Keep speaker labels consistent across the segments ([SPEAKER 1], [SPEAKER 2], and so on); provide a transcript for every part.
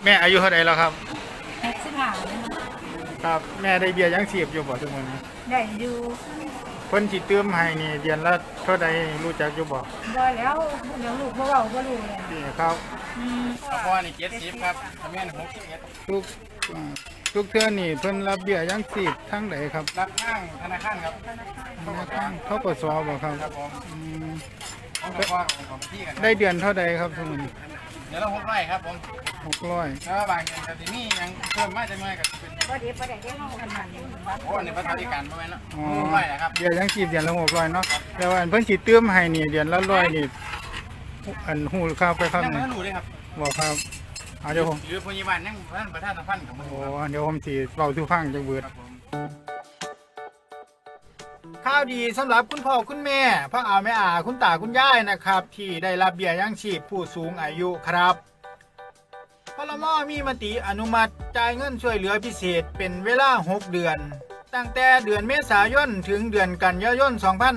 [SPEAKER 1] แม่อายุเท่าไหร่แล้วครับ
[SPEAKER 2] 65
[SPEAKER 1] ครับแม่ได้เบี้ยยังชีพอยู่บ่ทุกมื้อนี้
[SPEAKER 2] ได้อยู่
[SPEAKER 1] เพิ่นสิเติมให้นี่เดือนละเท่าใดรู้จักอยู่บ่
[SPEAKER 2] บ่แล้วเดี๋ยวลูกบ่เว้าบ่รู้เลย
[SPEAKER 1] นี่ครับ
[SPEAKER 3] พ่อนี่70ครับแม่น61
[SPEAKER 1] ทุกอ่าทุกเทื่อนี่เพิ่นรับเบี้ยยังชีพทั้งใดครับ
[SPEAKER 3] รับข้างธนาคารครับ
[SPEAKER 1] ธนาคารธกสบ่ครับ
[SPEAKER 3] ครับผม
[SPEAKER 1] อืม
[SPEAKER 3] ของพ่อของพี่กัน
[SPEAKER 1] ได้เดือนเท่าใดครับทุกมื้อนี้
[SPEAKER 3] เดี๋ยวเรา600ครับผม
[SPEAKER 1] 600
[SPEAKER 3] แล้วบางอย่างก็สิมียังเพิ่มมาจังหน่อยก็เป็น
[SPEAKER 2] บ่ดีบ่ได้เด้เฮากันนั่น
[SPEAKER 3] โอ้นี่ประธานธิการบ่แม่นเนาะ600นะครับ
[SPEAKER 1] เบี้ยยังชีพเดือนละ600เนาะแต่ว่าอันเพิ่นสิเติมให้นี่เดือนละ100นี่อันฮู้ข่าวไปครับ
[SPEAKER 3] ยัง
[SPEAKER 1] นี่
[SPEAKER 3] ไม่รู้เลยครับ
[SPEAKER 1] บ่ครับเอาเดี๋ยวผม
[SPEAKER 3] หรือพยาบาลยังประธานสัมพันธ์กับมัน
[SPEAKER 1] โอ้เดี๋ยวผมสิเว้าสู่ฟังจักเบิด
[SPEAKER 3] ครับผม
[SPEAKER 1] ข่าวดีสำหรับคุณพ่อคุณแม่พ่ออาแม่อาคุณตาคุณยายนะครับ ที่ได้รับเบี้ยยังชีพผู้สูงอายุครับพลมมีมติอนุมัติจ่ายเงินช่วยเหลือพิเศษเป็นเวลา6เดือน ตั้งแต่เดือนเมษายนถึงเดือนกันยายน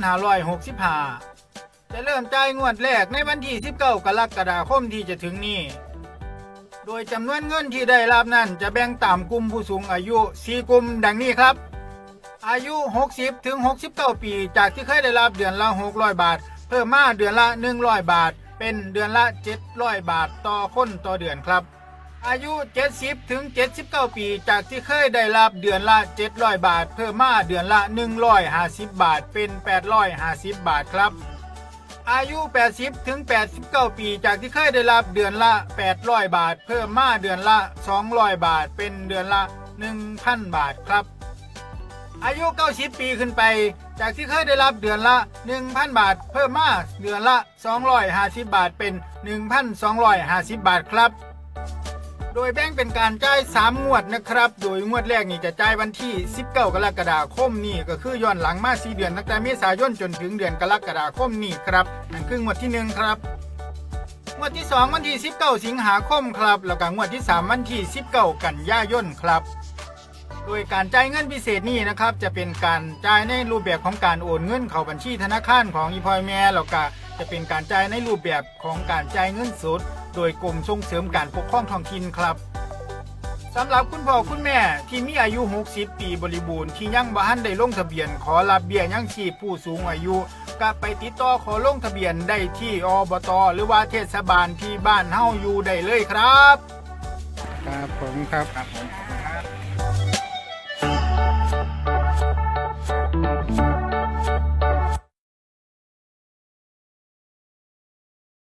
[SPEAKER 1] 2565 จะเริ่มจ่ายงวดแรกในวันที่ 19 กรกฎาคมที่จะถึงนี้ โดยจำนวนเงินที่ได้รับนั้นจะแบ่งตามกลุ่มผู้สูงอายุ 4 กลุ่มดังนี้ครับ อายุ 60 ถึง 69 ปีจากที่เคยได้รับเดือนละ 600 บาท เพิ่มมาเดือนละ 100 บาท เป็นเดือนละ 700 บาทต่อคนต่อเดือนครับ อายุ 70 ถึง 79 ปีจากที่เคยได้รับเดือนละ 700 บาท เพิ่มมาเดือนละ 150 บาท เป็น 850 บาทครับ อายุ 80 ถึง 89 ปีจากที่เคยได้รับเดือนละ 800 บาท เพิ่มมาเดือนละ 200 บาท เป็นเดือนละ 1,000 บาทครับ อายุ 90 ปีขึ้นไป จากที่เคยได้รับเดือนละ 1,000 บาท เพิ่มมาเดือนละ 250 บาท เป็น 1,250 บาทครับ โดยแบ่งเป็นการจ่าย3งวดนะครับ โดยงวดแรกนี่จะจ่ายวันที่ 19 กรกฎาคมนี่ก็คือย้อนหลังมา4เดือนตั้งแต่เมษายนจนถึงเดือนกรกฎาคมนี่ครับนั่นคืองวดที่1ครับงวดที่2วันที่19สิงหาคมครับแล้วก็งวดที่3วันที่19กันยายนครับโดยการจ่ายเงินพิเศษนี่นะครับจะเป็นการจ่ายในรูปแบบของการโอนเงินเข้าบัญชีธนาคารของอีพอยแม่แล้วก็จะเป็นการจ่ายในรูปแบบของการจ่ายเงินสดโดยกรมส่งเสริมการปกครองท้องถิ่นครับสำหรับคุณพ่อคุณแม่ที่มีอายุ 60 ปีบริบูรณ์ที่ยังบ่ทันได้ลงทะเบียนขอรับเบี้ยยังชีพผู้สูงอายุก็ไปติดต่อขอลงทะเบียนได้ที่อบต.หรือว่าเทศบาลที่บ้านเฮาอยู่ได้เลยครับครับผมครับ